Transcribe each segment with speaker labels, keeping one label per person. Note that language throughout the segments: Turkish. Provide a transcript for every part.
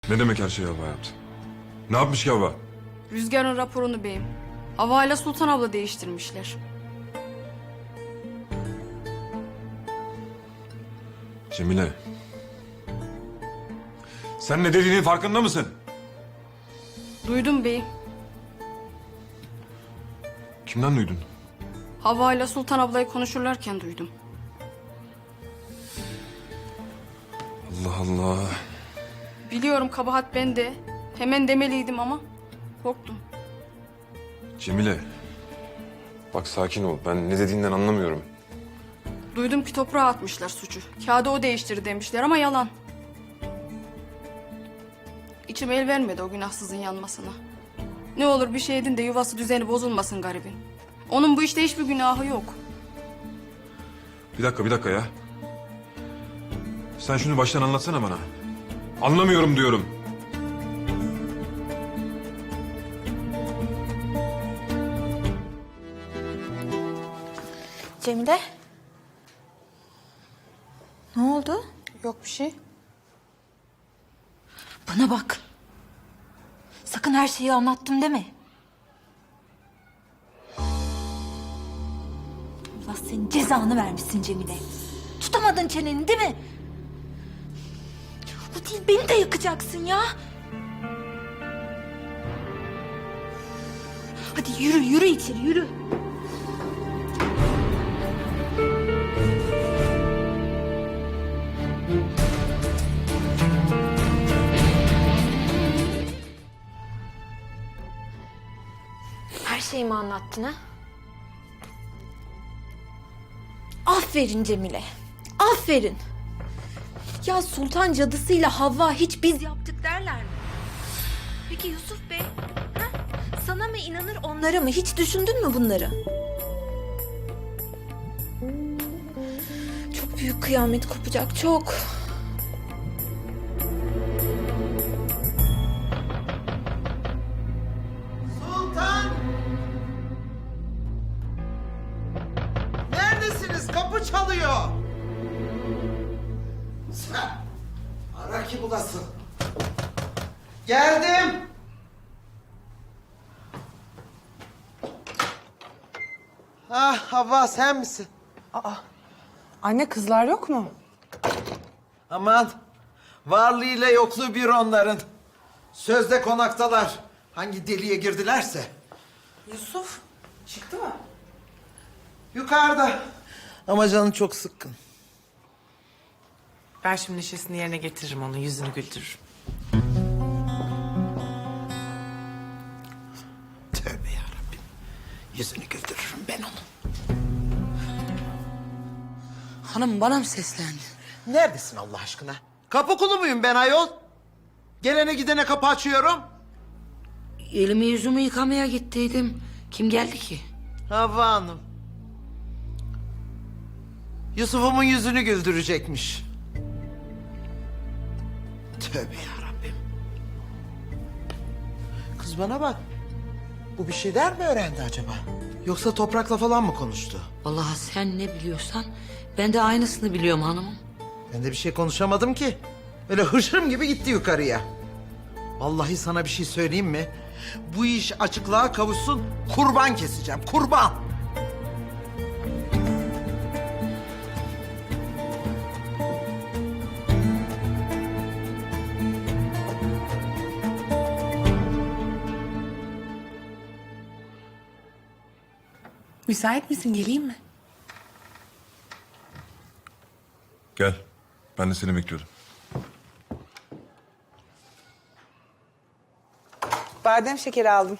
Speaker 1: Ne demek her şeyi Havva yaptı? Ne yapmış ki Havva?
Speaker 2: Rüzgar'ın raporunu beyim. Hava ile Sultan abla değiştirmişler.
Speaker 1: Cemile. Sen ne dediğinin farkında mısın?
Speaker 2: Duydum beyim.
Speaker 1: Kimden duydun?
Speaker 2: Hava ile Sultan ablayı konuşurlarken duydum.
Speaker 1: Allah Allah.
Speaker 2: Biliyorum kabahat bende. Hemen demeliydim ama korktum.
Speaker 1: Cemile. Bak sakin ol. Ben ne dediğinden anlamıyorum.
Speaker 2: Duydum ki toprağa atmışlar suçu. Kağıdı o değiştirdi demişler ama yalan. İçim el vermedi o günahsızın yanmasına. Ne olur bir şey edin de yuvası düzeni bozulmasın garibin. Onun bu işte hiçbir günahı yok.
Speaker 1: Bir dakika ya. Sen şunu baştan anlatsana bana. Anlamıyorum diyorum.
Speaker 3: Cemile. Ne oldu?
Speaker 4: Yok bir şey.
Speaker 3: Bana bak. Sakın her şeyi anlattım deme. Allah senin cezanı vermişsin Cemile. Tutamadın çeneni değil mi? Bu değil beni de yakacaksın ya. Hadi yürü içeri yürü. Her şeyimi anlattın ha? Aferin Cemile. Aferin. Ya Sultan cadısıyla Havva hiç biz yaptık derler mi? Peki Yusuf Bey? Ha? Sana mı inanır onlara mı? Hiç düşündün mü bunları? Çok büyük kıyamet kopacak çok.
Speaker 5: Sultan! Neredesiniz? Kapı çalıyor. Sen ara ki bulasın. Geldim. Ah Havva sen misin?
Speaker 4: Anne kızlar yok mu?
Speaker 5: Aman varlığıyla yokluğu bir onların. Sözde konaktalar. Hangi deliğe girdilerse.
Speaker 4: Yusuf çıktı mı?
Speaker 5: Yukarıda. Ama canı çok sıkkın.
Speaker 4: Ben şimdi neşesini yerine getiririm onun yüzünü güldürürüm.
Speaker 5: Tövbe yarabbim. Yüzünü güldürürüm ben onun.
Speaker 6: Hanım bana mı seslendi?
Speaker 5: Neredesin Allah aşkına? Kapı kulu muyum ben ayol? Gelene gidene kapı açıyorum.
Speaker 6: Elimi yüzümü yıkamaya gittiydim. Kim geldi ki?
Speaker 5: Havva Hanım. Yusuf'umun yüzünü güldürecekmiş. Tövbe yarabbim. Kız bana bak. Bu bir şeyler mi öğrendi acaba? Yoksa toprakla falan mı konuştu?
Speaker 6: Vallahi sen ne biliyorsan ben de aynısını biliyorum hanımım.
Speaker 5: Ben de bir şey konuşamadım ki. Öyle hışırım gibi gitti yukarıya. Vallahi sana bir şey söyleyeyim mi? Bu iş açıklığa kavuşsun, kurban keseceğim, kurban.
Speaker 4: Müsait misin geleyim mi?
Speaker 1: Gel. Ben de seni bekliyordum.
Speaker 4: Badem şekeri aldım.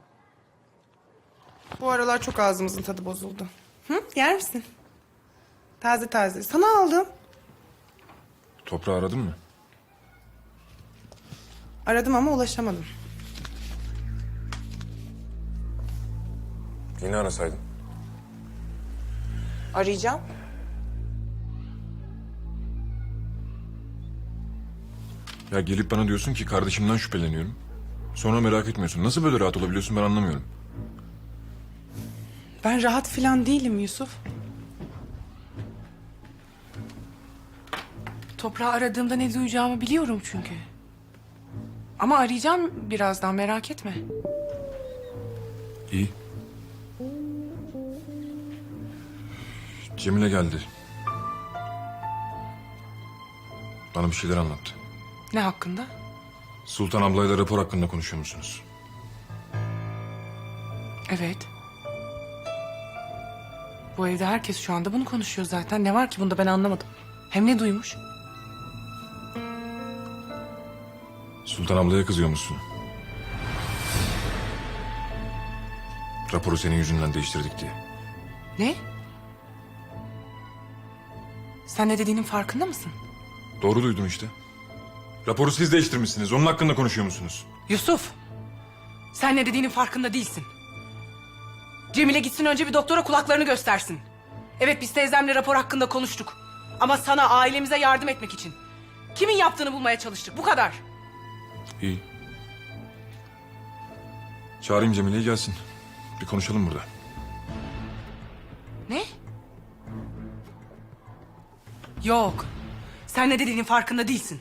Speaker 4: Bu aralar çok ağzımızın tadı bozuldu. Hı? Yer misin? Taze taze. Sana aldım.
Speaker 1: Toprağı aradın mı?
Speaker 4: Aradım ama ulaşamadım.
Speaker 1: Yine arasaydın.
Speaker 4: Arayacağım.
Speaker 1: Ya gelip bana diyorsun ki kardeşimden şüpheleniyorum. Sonra merak etmiyorsun. Nasıl böyle rahat olabiliyorsun ben anlamıyorum.
Speaker 4: Ben rahat falan değilim Yusuf. Toprağı aradığımda ne duyacağımı biliyorum çünkü. Ama arayacağım birazdan, merak etme.
Speaker 1: İyi. Cemile geldi. Bana bir şeyler anlattı.
Speaker 4: Ne hakkında?
Speaker 1: Sultan ablayla rapor hakkında konuşuyor musunuz?
Speaker 4: Evet. Bu evde herkes şu anda bunu konuşuyor zaten. Ne var ki bunda, ben anlamadım. Hem ne duymuş?
Speaker 1: Sultan ablaya kızıyor musun? Raporu senin yüzünden değiştirdik diye.
Speaker 4: Ne? Sen ne dediğinin farkında mısın?
Speaker 1: Doğru duydum işte. Raporu siz değiştirmişsiniz. Onun hakkında konuşuyor musunuz?
Speaker 4: Yusuf, sen ne dediğinin farkında değilsin. Cemile gitsin önce bir doktora kulaklarını göstersin. Evet, biz teyzemle rapor hakkında konuştuk. Ama sana, ailemize yardım etmek için. Kimin yaptığını bulmaya çalıştık, bu kadar.
Speaker 1: İyi. Çağırayım Cemile'yi gelsin. Bir konuşalım burada.
Speaker 4: Ne? Yok. Sen ne dediğinin farkında değilsin.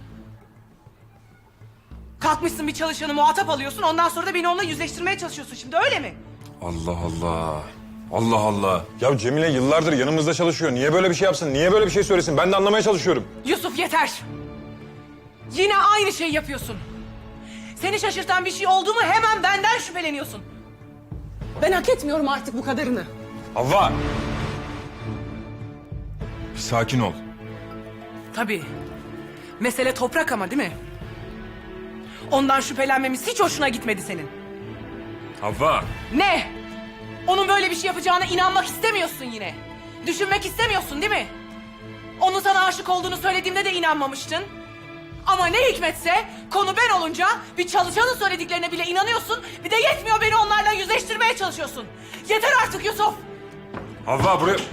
Speaker 4: Kalkmışsın bir çalışanı muhatap alıyorsun, ondan sonra da beni onunla yüzleştirmeye çalışıyorsun şimdi, öyle mi?
Speaker 1: Allah Allah. Allah Allah. Ya Cemile yıllardır yanımızda çalışıyor. Niye böyle bir şey yapsın? Niye böyle bir şey söylesin? Ben de anlamaya çalışıyorum.
Speaker 4: Yusuf, yeter. Yine aynı şeyi yapıyorsun. Seni şaşırtan bir şey oldu mu hemen benden şüpheleniyorsun. Ben hak etmiyorum artık bu kadarını.
Speaker 1: Havva! Bir sakin ol.
Speaker 4: Tabii. Mesele toprak ama, değil mi? Ondan şüphelenmemiz hiç hoşuna gitmedi senin.
Speaker 1: Havva!
Speaker 4: Ne? Onun böyle bir şey yapacağına inanmak istemiyorsun yine. Düşünmek istemiyorsun, değil mi? Onun sana aşık olduğunu söylediğimde de inanmamıştın. Ama ne hikmetse konu ben olunca bir çalışanın söylediklerine bile inanıyorsun. Bir de yetmiyor, beni onlarla yüzleştirmeye çalışıyorsun. Yeter artık Yusuf.
Speaker 1: Havva buraya...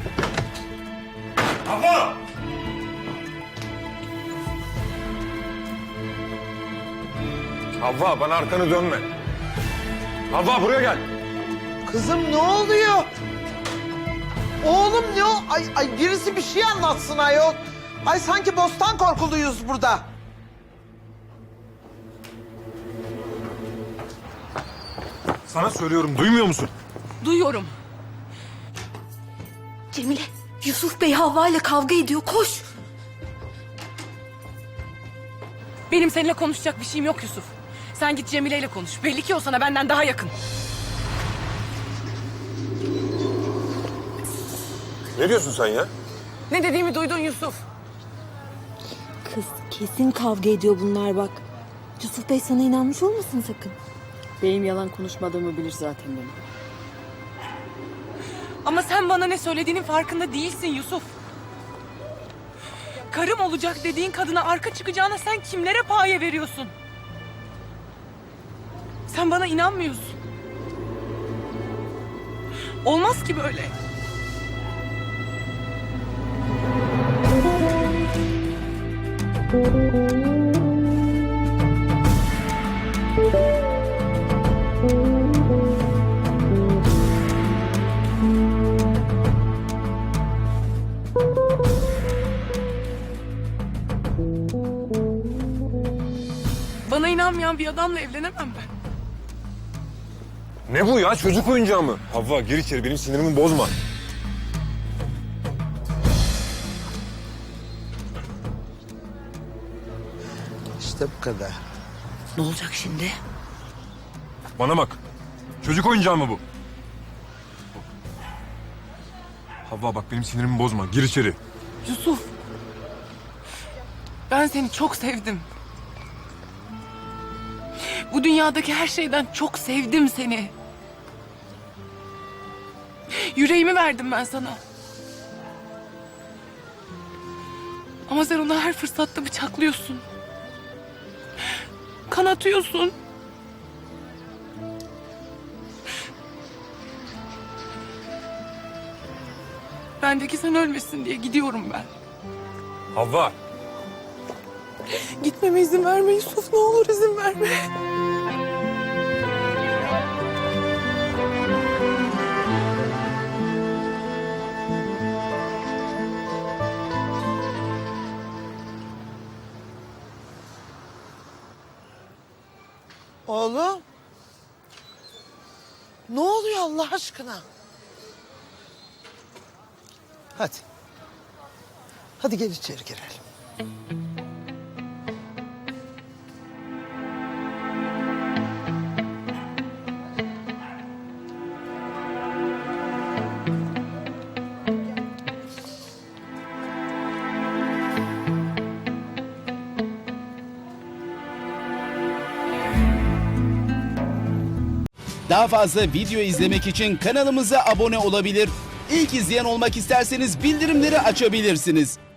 Speaker 1: Havva! Havva bana arkanı dönme. Havva buraya gel.
Speaker 5: Kızım ne oluyor? Oğlum ne o? Ay birisi bir şey anlatsın ayol. Ay sanki bostan korkuluyuz burada.
Speaker 1: Sana söylüyorum, duymuyor musun?
Speaker 4: Duyuyorum.
Speaker 3: Cemile, Yusuf Bey Havva ile kavga ediyor. Koş.
Speaker 4: Benim seninle konuşacak bir şeyim yok Yusuf. Sen git Cemile ile konuş. Belli ki o sana benden daha yakın.
Speaker 1: Ne diyorsun sen ya?
Speaker 4: Ne dediğimi duydun Yusuf.
Speaker 3: Kız kesin kavga ediyor bunlar bak. Yusuf Bey sana inanmış olmasın sakın.
Speaker 2: Benim yalan konuşmadığımı bilir zaten benim.
Speaker 4: Ama sen bana ne söylediğinin farkında değilsin Yusuf. Karım olacak dediğin kadına arka çıkacağına sen kimlere paye veriyorsun? Sen bana inanmıyorsun. Olmaz ki böyle. Bana inanmayan bir adamla evlenemem ben.
Speaker 1: Ne bu ya? Çocuk oyuncağı mı? Havva gir içeri, benim sinirimi bozma.
Speaker 5: İşte bu kadar.
Speaker 6: Ne olacak şimdi?
Speaker 1: Bana bak. Çocuk oyuncağı mı bu? Havva bak benim sinirimi bozma. Gir içeri.
Speaker 4: Yusuf. Ben seni çok sevdim. Bu dünyadaki her şeyden çok sevdim seni. Yüreğimi verdim ben sana. Ama sen onu her fırsatta bıçaklıyorsun. Kanatıyorsun. Bendeki sen ölmesin diye gidiyorum ben.
Speaker 1: Havva.
Speaker 4: Gitmeme izin verme Yusuf, ne olur izin verme.
Speaker 5: Oğlum. Ne oluyor Allah aşkına? Hadi. Hadi gel içeri girelim.
Speaker 7: Daha fazla video izlemek için kanalımıza abone olabilir. İlk izleyen olmak isterseniz bildirimleri açabilirsiniz.